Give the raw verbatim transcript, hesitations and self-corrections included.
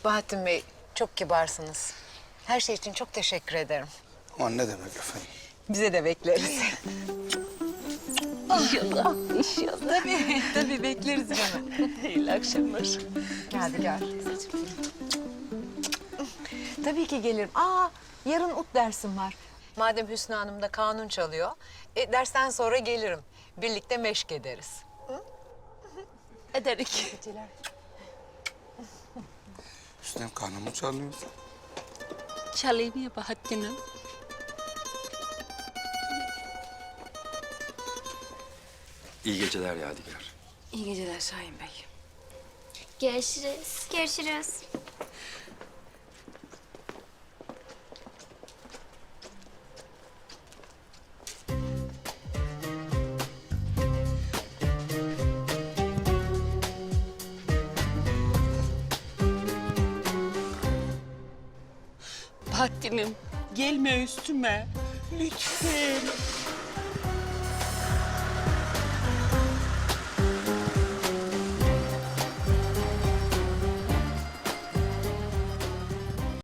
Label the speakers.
Speaker 1: Bahattin Bey, çok kibarsınız. Her şey için çok teşekkür ederim.
Speaker 2: Aman ne demek efendim.
Speaker 1: Bize de bekleriz.
Speaker 3: İnşallah, inşallah.
Speaker 1: Tabii, tabii bekleriz canım.
Speaker 3: İyi akşamlar.
Speaker 1: Hadi gel. Tabii ki gelirim. Aa, yarın ut dersim var. Madem Hüsnü Hanım da kanun çalıyor, e, dersten sonra gelirim. Birlikte meşk ederiz.
Speaker 3: Ederik.
Speaker 2: Üstten kanımı çalıyor.
Speaker 3: Çalayım ya Bahattin'im.
Speaker 4: İyi geceler Yadigar.
Speaker 3: İyi geceler Şahin Bey.
Speaker 5: Görüşürüz. Görüşürüz.
Speaker 3: Bahattin'im gelme üstüme. Lütfen.